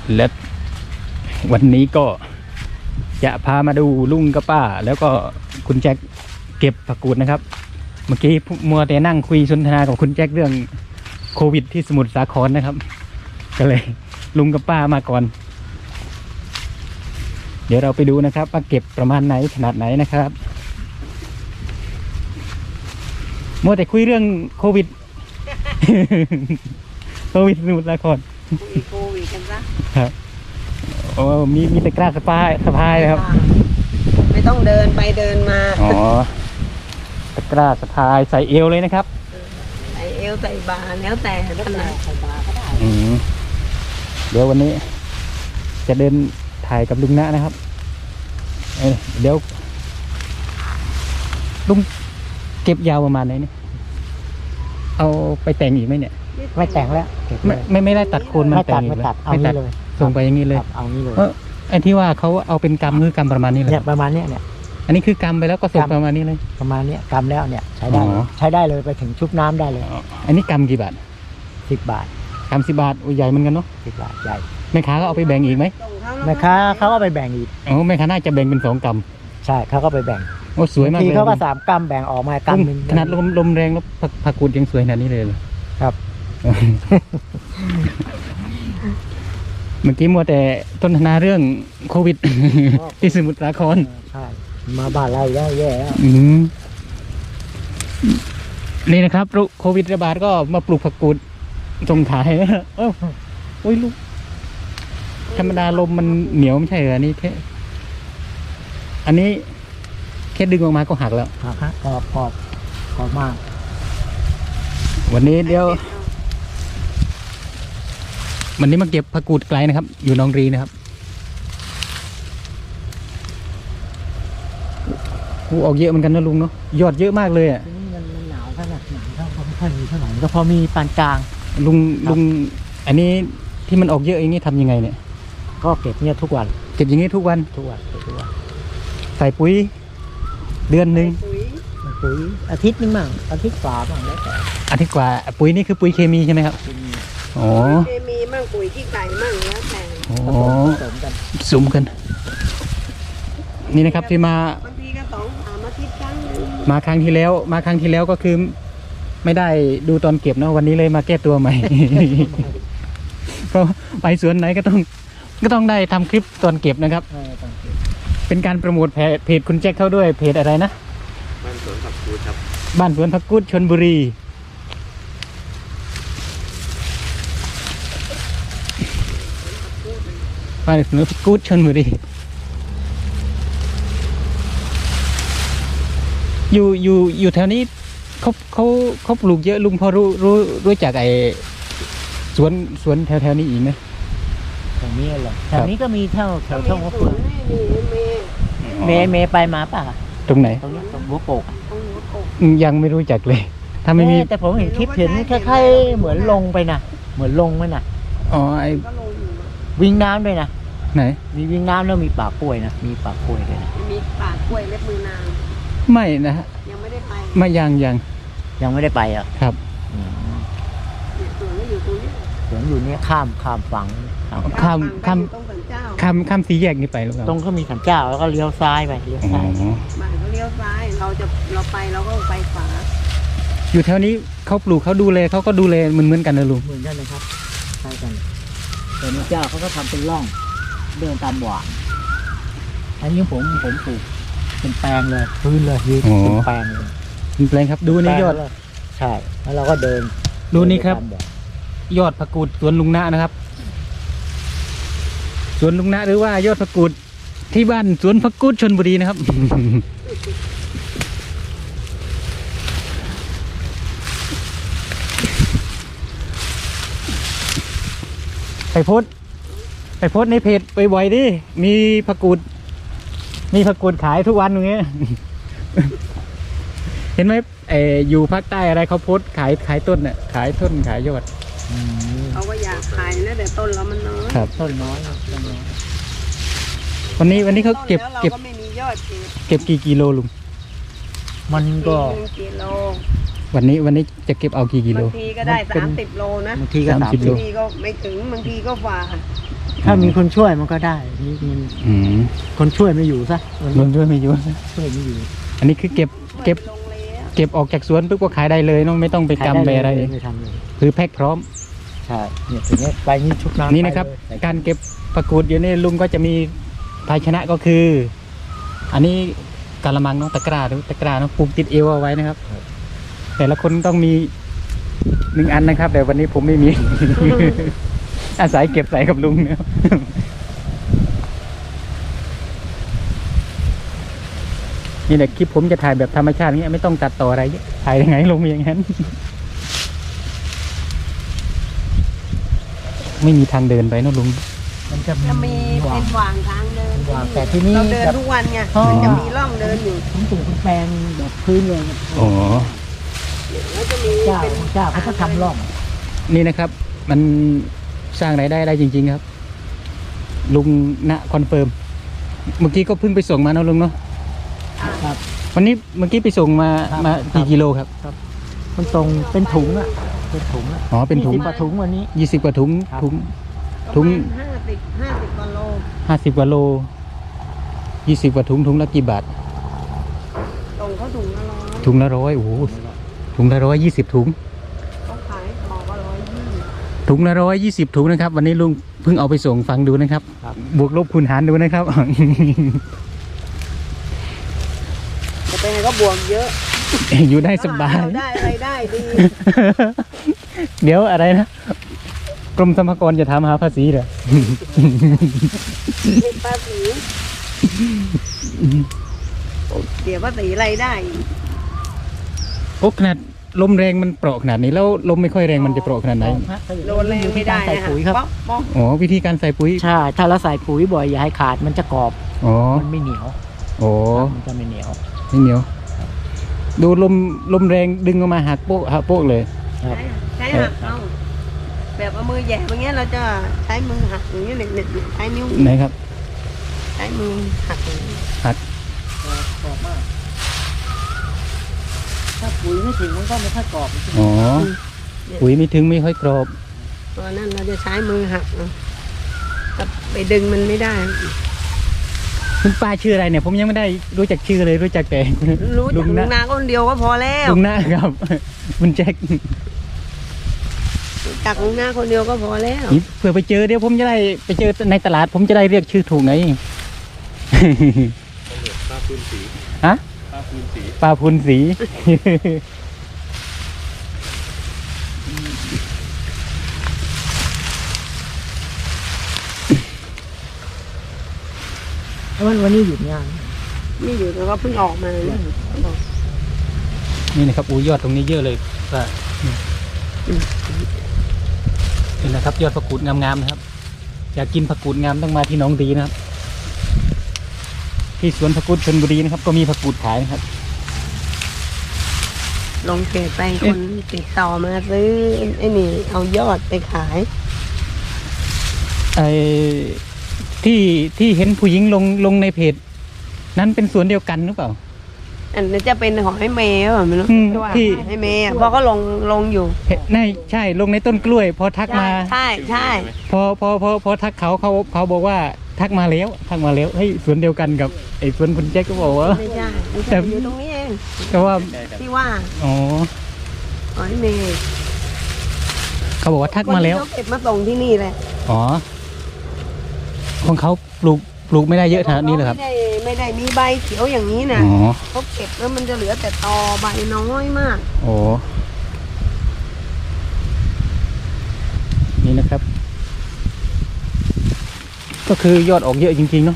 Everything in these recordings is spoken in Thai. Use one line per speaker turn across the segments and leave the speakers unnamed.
และวันนี้ก็จะพามาดูลุงกับป้าแล้วก็คุณแจ็คเก็บผักกูดนะครับเมื่อกี้มัวแต่นั่งคุยสนทนากับคุณแจ็คเรื่องโควิดที่สมุทรสาครนะครับก็เลยลุงกับป้ามาก่อนเดี๋ยวเราไปดูนะครับว่าเก็บประมาณไหนขนาดไหนนะครับมัวแต่คุยเรื่องโควิด โควิดสมุทรสาคร
โควิดกันซะ
ครับโอ้มีตะกร้าสะพายเลยครับ
ไม่ต้องเดินไปเดินมา
อ๋อตะกร้าสะพายใส่เอวเลยนะครับ
ใส่เอวใส่บาแล้วแต่ขนาดใส่บาก็ได้
เดี๋ยววันนี้จะเดินถ่ายกับลุงนะนะครับเดี๋ยวลุงเก็บยาวประมาณไหนเนี่ยเอาไปแต่งอีกไหมเนี่ย
ไม่แต่งแล้ว
ไม่ได้ตัดโคน
ไม่ตัด
ไม่ตัด
เลย
ส่งไปอย่างนี้เลย
เอางี้เลย
ไอ้ที่ว่าเขาเอาเป็นกำคือกำประมาณนี้เลย
เนี่ยประมาณเนี้ย
อันนี้คือกำไปแล้วก็ส่งประมาณนี้เลย
ประมาณเนี้ยกำแล้วเนี่ยใช้ได้เลยไปถึงชุบน้ำได้เลย
อันนี้กำกี่บาท
10 บาท
กำ10 บาทใหญ่เหมือนกันเนาะ
10 บาทใหญ่
แม่ค้าก็เอาไปแบ่งอีกไหม
แม่ค้าเขาก็ไปแบ่งอีก
แม่ค้าน่าจะแบ่งเป็น2 กำ
ใช่เขาก็ไปแบ่ง
โอ้สวยมาก
เลยทีเขาก็3 กำแบ่งออกมากำนึง
ขนาดลมแรงแล้วผักกูดยังสวยขนาดนี้เลย
ครับ
เมื่อกี้มัวแต่ต้นทนาเรื่องโควิดที่สมุทรสาคร
ใช่มาบ้านเราแย่
นี่นะครับโควิดระบาดก็มาปลูกผักกูดส่งขายโอ้ยลูกธรรมดาลมมันเหนียวไม่ใช่เหรอนี่อันนี้แค่ดึงออกมาก็หักแล้ว
หักกรอบมาก
วันนี้เดี๋ยววันนี้มาเก็บผักกูดไกลนะครับอยู่หนองรีนะครับออกเยอะเหมือนกันนะลุงเนาะยอดเยอะมากเลยอ่ะ
มันหนาวขนาดหนาวก็ไม่ค่อยมีเท่าไหร่ก็พอมีปานกลาง
ลุงอันนี้ที่มันออกเยอะอย่างนี้ทำยังไงเนี่ย
ก็เก็บเนี่ยทุกวัน
เก็บอย่างนี้ทุกวันใส่ปุ๋ยเดือนหนึ่ง
ปุ๋ยอาทิตย์นึงมั่งอาทิตย์กว่าบ้างแล้วแต่
อาทิตย์กว่าปุ๋ยนี่คือปุ๋ยเคมีใช่ไหมครับ
อ๋อเคมีมั่งปุ๋ยขี้ไก่มั่งแล้วแต่
สมกันนี่นะครับที่มา
บางทีก็2-3 อาทิตย์ครั้ง
มาครั้งที่แล้วก็คือไม่ได้ดูตอนเก็บเนาะวันนี้เลยมาแก้ตัวใหม่ เพราะไปสวนไหนก็ต้องได้ทำคลิปตอนเก็บนะครับเป็นการโปรโมทเพจคุณแจ็คเข้าด้วยเพจอะไรนะ
บ้านสวนผักกูดครับ
บ้านสวนผักกูดชลบุรีบ้านสวนผักกูดชลบุรีอยู่แถวนี้เขาปลูกเยอะลุงพอรู้จักไอ้สวนแถวนี้อีกไหม
แถวนี้เหรอแถวนี้ก็มีแถวช่องหัวเฟืองเมย์ไปมาป่ะ
ตรงไหน
ตรงนี้ตรงหัวโปก
ยังไม่รู้จักเลยถ้าไม่มี
แต่ผมเห็นคลิปเห็นคล้ายๆเหมือนลงไปนะเหมือนลงไหมนะ
อ๋อไอ้
วิ่งน้ำด้วยนะ
ไหน
มีวิ่งน้ำแล้วมีป่ากล้วยนะมีป่ากล้วยด้วยนะ
มีป่ากล้วยเล็บมือนาง
ไม่นะฮะ
ยังไม่ได้ไป
ไม่ยัง
ไม่ได้ไปอ่ะ
ครับ
สวนก็อยู่ตรงนี้
สวนอยู่นี่ข้ามฝั่ง
ข้ามสี่แยกนี่ไปหรือเปล่า
ตรงก็มีศาลเจ้าแล้วก็เลี้ยวซ้ายไปเลี้ยวซ้าย
บ้านก็เลี้ยวซ้ายเราไปเราก็ไปขวา
อยู่แถวนี้เขาปลูกเขาดูแลเขาก็ดูแลเหมือนกันนะลุง
เหมือนกันนะครับใช่กันแต่ศาลเจ้าเขาก็ทำเป็นร่องเดินตามหว่างอันนี้ผมปลูกเป็นแปลงเลยพื้นเลยยืนเป็นแปลงเลย
เป็นแปลงครับดูนี่ยอด
ใช่แล้วเราก็เดิน
ดูนี่ครับยอดผักกูดสวนลุงนะนะครับสวนลุงนะหรือว่ายอดผักกูดที่บ้านสวนผักกูดชลบุรีนะครับไปโพสในเพจบ่อยๆดิมีผักกูดขายทุกวันอย่างเงี้ยเห็นไหมอยู่ภาคใต้อะไรเขาโพสขายต้นเนี่ยขายต้นขายยอด
เขาก็อยากขายนะแต่ต้นเรามันน้อย
ครับ
ต้นน้อย
วันนี้เขาเก็บ
ไม่มียอด
เก็บกี่กิโลลุง
มันก็
กิโล
วันนี้จะเก็บเอากี่กิโล
บางทีก็ได้30 โลนะ
บางทีก็30 โล
บางทีก็ไม่ถึงบางทีก็ฝ่า
ถ้ามีคนช่วยมันก็ได้นี่มัน
อืม
คนช่วยไม่อยู่ซะ
รวมด้วยไม่ยุ่ง
ช่วยไม่อยู่
อันนี้คือเก็บ
ลงเลยอะ
เก็บออกจากสวนปุ๊บก็ขายได้เลยเน้องไม่ต้องไปกำไปอะไร
ไม่ทำเลย
คือแพ็คพร้อม
ใช่เนี่ยถึงนี้ไปนี่ชุบน้ำ
นี่นะครับ
ไปเลย
การเก็บผักกูดอยู่นี่ลุงก็จะมีภาชนะก็คือ อันนี้กะละมังเนาะตะกร้าหรือตะกร้าเนาะปลูกติดเอวเอาไว้นะครับ แต่ละคนต้องมี1 อันนะครับ แต่วันนี้ผมไม่มี อาศัยเก็บใส่กับลุงเนี่ยนี่แหละคลิปผมจะถ่ายแบบธรรมชาตินี้ไม่ต้องตัดต่ออะไรเยอะถ่ายยังไงลงอย่างนั้น ไม่มีทางเดินไปเนอะลุง
มันจะ
จะมี
หวา
เป็
ง
นหว่างทางเดิน
หว่างแต่ที่นี่
เราเดิน
แบบ
ทุกวันไง
อ๋อ
จะมีร่องเดินอยู่
ผมปลูกเป็นแปลงแบบพื้นเลย
อ๋อ
แล้วจะมี
เจ้า
เป็น
เจ้าเขาจะทำร่อง
นี่นะครับ มันสร้างรายได้จริง ๆ ครับ ลุงณคอนเฟิร์ม เมื่อกี้ก็เพิ่งไปส่งมาเนอะลุงเนาะ
ครับ
วันนี้เมื่อกี้ไปส่งมา
ครับ
มา
ครั
กี่
บ
กิโลครับ
มันตรงเป็นถุงอ่ะเป็นถุงอ่ะ
อ๋อเป็นถุง
20กว่าถุงวันนี้
20 กว่าถุง
ครับ
ถุง
ถุง
ถุง
50กว่าโล
50 กว่าโล 20 กว่าถุงถุงละกี่บาท
ตรงเขาถุงละร้อย
ถุงละ100โอ้โหถุงละ120 ถุง
เขาขายบอกว่า120
ถุงละ120 ถุงนะครับ วันนี้ลุงเพิ่งเอาไปส่งฟังดูนะครับ
ครับ
บวกลบคูณหารดูนะครับ
จะไปไหนก็บวกเยอะ
อยู่ได้สบาย
เรได้อะไรได้ดี
เดี๋ยวอะไรนะ กรมสรรพากรจะถามหาภาษีเหรอ
เก็บภาษีเดี๋ยวภาษีอะไรได้อีก
โอ้ขนาดลมแรงมันเปราะขนาดนี้แล้วลมไม่ค่อยแรงมันจะเปราะขนาดไหน
โดนแรงไม่ได้
ใส่
นะคะ
ปุ๋ยครับ
ป๊อกป๊อก
อ๋อวิธีการใส่ปุ๋ย
ใช่ ถ้าเราใส่ปุ๋ยบ่อยอย่าให้ขาดมันจะกรอบ
อ๋อ
มันไม่เหนียว
โอ้
มันจะไม่เหนียว
ไม่เหนียว ดูลมแรงดึงออกมาหักโป๊ะหักโป๊ะเลย
ครับ
ใช้หักเอาแบบเอามือแหย่อย่างเงี้ยเราจะใช้มือหักอย่างเงี้ยเนี่ยใช้นิ้ว
ไหนครับ
ใช้มือหักอย่างนี้
หัก
กรอบมาก ถ้าปุ๋ยไม่ถึงมันก็ไม่ค่อยกรอบ
อ๋อ ปุ๋ยไม่ถึงไม่ค่อยกรอบ
ตอนนั้นเราจะใช้มือหักเอาแต่ไปดึงมันไม่ได้
คุณป้าชื่ออะไรเนี่ย ผมยังไม่ได้รู้จักชื่อเลยรู้จักแต่
รู้จักลุงนาคนเดียวก็พอแล้ว
ลุงหน้าครับ คุณแจ็ค
รู้จักลุงนาคนเดียวก็พอแล้ว
นี่เผื่อไปเจอเดี๋ยวผมจะได้ไปเจอในตลาด ผมจะได้เรียกชื่อถูกไง
ป้าพื้นสี
ฮะ
ป้าพื้นสี
ปลาพูนสี
วันนี้หยุดงาน
ไม่อยู่แต่ว่าเพิ่งออกมาเนี่ย
นี่นะครับอู้ยอดตรงนี้เยอะเลยป้านี่นะครับยอดผักกูดงามๆนะครับ อยากกินผักกูดงามต้องมาที่หนองดีนะครับ ที่สวนผักกูดชลบุรีนะครับ ก็มีผักกูดขายนะครับ
ลงเพจไปคนติดต่อมาซื้อไอ้นี่เอายอดไปขาย
ไอ้ที่เห็นผู้หญิงลงในเพจ นั้นเป็นสวนเดียวกันหรือเปล่า
อันนี้จะเป็นของให้เมย์หรือเปล่าไม่รู้
อืม
ที่ว่า
ที่
ให้เมย์อะเพราะก็ลงอยู่
ใช่ลงในต้นกล้วย พอทักมา
ใช่ใช่
พอทักเขาบอกว่าทักมาแล้วเฮ้ยสวนเดียวกันกับไอ้สวนคุณแจ็คก็บอกว่า
ไม่ใช่ไม่
แต่
ใช่อยู่ตรงนี้เอง
แต่ว่า
ที่ว่า
อ๋อ
ของให้เมย์
เขาบอกว่าทักมาแล้ว
คนที่เขาเก็บมาส่งที่นี่แหละ
อ๋อของเขาปลูกไม่ได้เยอะขนาดนี้เลยครับ
ไม่ได้มีใบเขียวอย่างนี้นะ
อ๋อ
เขาเก็บแล้วมันจะเหลือแต่ตอใบน้อยมาก
โอ้นี่นะครับ ก็คือยอดออกเยอะจริงๆเนาะ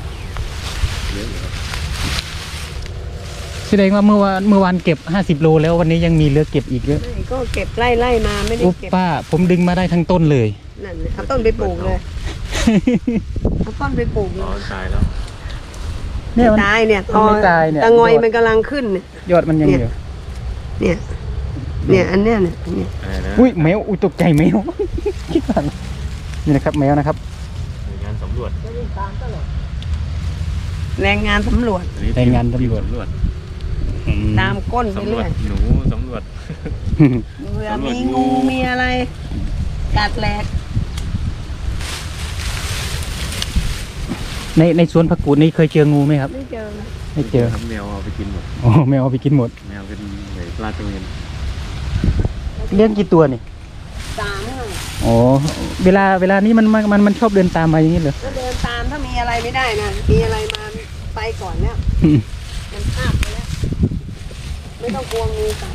แสดงว่าเมื่อวานเก็บ50 โลแล้ววันนี้ยังมีเหลือเก็บอีกเยอะ
ไม่ก็เก็บไล่มาไม่ได้
อุ๊บ
เก็บ
ป้าผมดึงมาได้ทั้งต้นเลย
นั่นน่ะเอาต้นไปปลูกเลยเอาต้นไปปลูกเล
อ๋อย ตายแล้ว
เนี่ยมัน
ตายเนี่ย
มันไม่ตายเนี่ย
ตะงอยมันกำลังขึ้นเนี่ย
ยอดมันยังอยู่
เนี่ยอันเนี้ยเนี่ยเนี่ย
อะไรนะ
อุ้ยแมวอุ้ยตกใจแมว คิดว่านี่นะครับแมวนะครับ
หน่วยงานสำรวจ
แรงงานสำรวจ
อันนี้
รายงานตำรวจ
สำรวจ
ตามก้นไป
สำรว
เรื่
จ
อย
หนูสำรวจ
เวลา
สำรวจ
มี
งู
งูมีอะไรกัดแหลก
ในสวนผักกูดนี่เคยเจองูไหมครับ
ไม่เจอ
ไม่เจอ
ทำแมวเอาไปกินหมด
อ๋อแมวเอาไปกินหมด
แมวเป็นเหมือนปลาตะเวน
เลี้ยงกี่ตัวนี่
ตามหน่อย
อ๋อเวลานี้มันชอบเดินตามมาอย่างนี้เหรอ
ก็เดินตามถ้ามีอะไรไม่ได้นะมีอะไรมาไปก่อนแล้ว
อืม
มันพลาดไปแล้วไม่ต้องกลัวงูกัด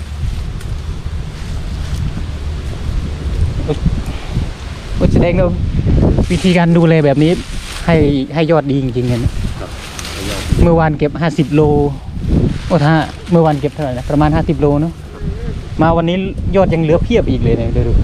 ก็แสดงว่าวิธีการดูแลแบบนี้ให้ยอดดีจริงๆเห็นไหม เมื่อวานเก็บ50 โลโอ้ถ้าเมื่อวานเก็บเท่าไหร่นะประมาณ50 โลเนาะมาวันนี้ยอดยังเหลือเพียบอีกเลยเนี่ยดู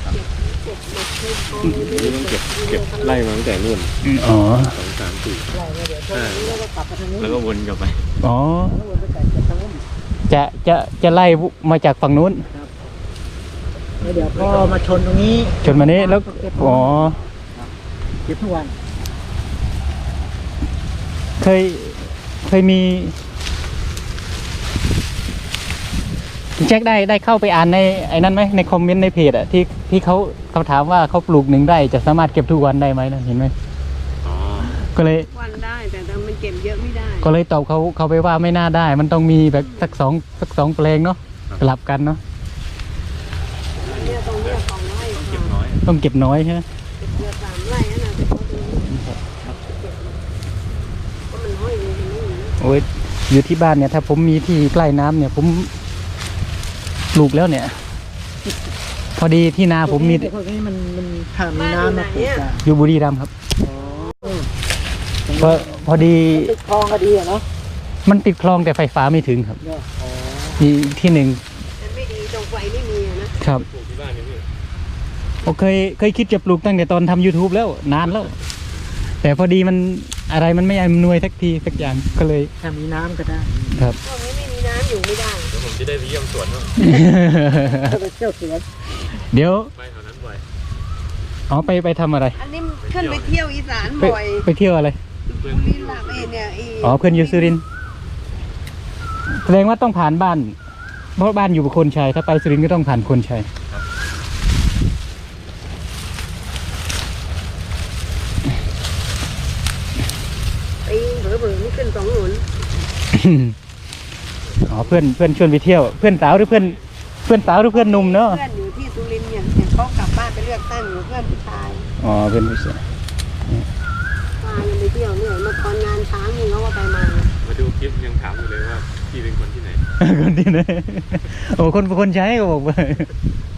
นี่ต้องเก็บไล่มาตั้งแต่นู่น
อ๋อ
2 3 4
ไล่มาเดี๋ยวพวกนี้เราก็กลับไปทางนี้
แล้วก็วนกลับไป
อ๋อ
แล้ววนไปไก่จากทางนู้น
จะไล่มาจากฝั่งนู้น
แล้วเดี๋ยวก็มาชนตรงนี้
จนมานี้แล้วอ๋อ
เก็บทุกวัน
เคยมีคุณแจ็คได้เข้าไปอ่านในไอ้นั้นไหมในคอมเมนต์ในเพจอะที่เขาถามว่าเขาปลูก1 ไร่จะสามารถเก็บทุกวันได้ไหมนะเห็นไหม
อ๋อ
ก็เลย
วันได้แต่มันเก็บเยอะไม่ได้
ก็เลยตอบเขาไปว่าไม่น่าได้ มันต้องมีแบบสักสองแปลงเนาะสลับกันเนาะ
เนี่ยตรงเนี้ยของไร่
เก็บน้อย
ต้องเก็บน้อยใช่ไหม
เก็บเดือน3 ไร่นั่นน่ะแต่เขาดูก็มันห้อยอยู่ตรงนี้นะ
โอ้ยอยู่ที่บ้านเนี่ยถ้าผมมีที่ใกล้น้ำเนี่ยผมปลูกแล้วเนี่ย พอดีที่นาผมมี
พวกนี้มันถ้ามีน้ำมาปลูกอะ
อยู่บุรีรัมย์ครับ
อ๋อ
พอดี
ติดคลองก็ดีอะเนาะ
มันติดคลองแต่ไฟฟ้าไม่ถึงครับ
เนาะอ๋อ
มีที่หนึ่ง
มันไม่ดีตรงไฟไม่มีอะนะครับ
ปลูกที่บ้านนี่พี่
ผมเคยคิดจะปลูกตั้งแต่ตอนทำ YouTube แล้วนานแล้ว แต่พอดีมันอะไรมันไม่อำนวยสักทีสักอย่างก็เลย
ถ้ามีน้ำก็ได้
ครับ
พวกนี้ไม่มีน้ำอยู่ไม่ได้
เดี๋ยวผมจะได้ไปเยี่ยมสวนบ้าง
ก็ไปเที่ยวสวน
เดี๋ยว
ไปแถวนั้นบ่อย
อ๋อไปทำอะไร
อันนี้ขึ้นไปเที่ยวอีสาน
ไป
บ่อย
ไปเที่ยวอะไร
บุรีรัมย์เนี่ย
อ๋อเพื่อนอยู่สุรินทร์แสดงว่าต้องผ่านบ้าน เพราะบ้านอยู่โคนชัยถ้าไปสุรินทร์ก็ต้องผ่านโคนชัย
ปีนเผลอๆนี่ขึ้น2 หนุน
อ๋อเพื่อนชวนไปเที่ยวเพื่อนสาวหรือเพื่อนสาวหรือเพื่อนหนุ่มเนาะ
เพื่อนอยู่ที่สุรินทร์เนี่ยเห็นเขากลับบ้านไปเลือกตั้งอยู่เพื่อนผู้ชาย
อ๋อเพื่อนผู้ชาย
พากันไปเที่ยวเนี่ยมาตอนงานช้างนี่เขาก็ไปมา
มาดูคลิปยังถามอยู่เลยว่าพี่เป็นคนที่ไหน
คนที่ไหนโอ้คนใช้ก็บอกไป
เ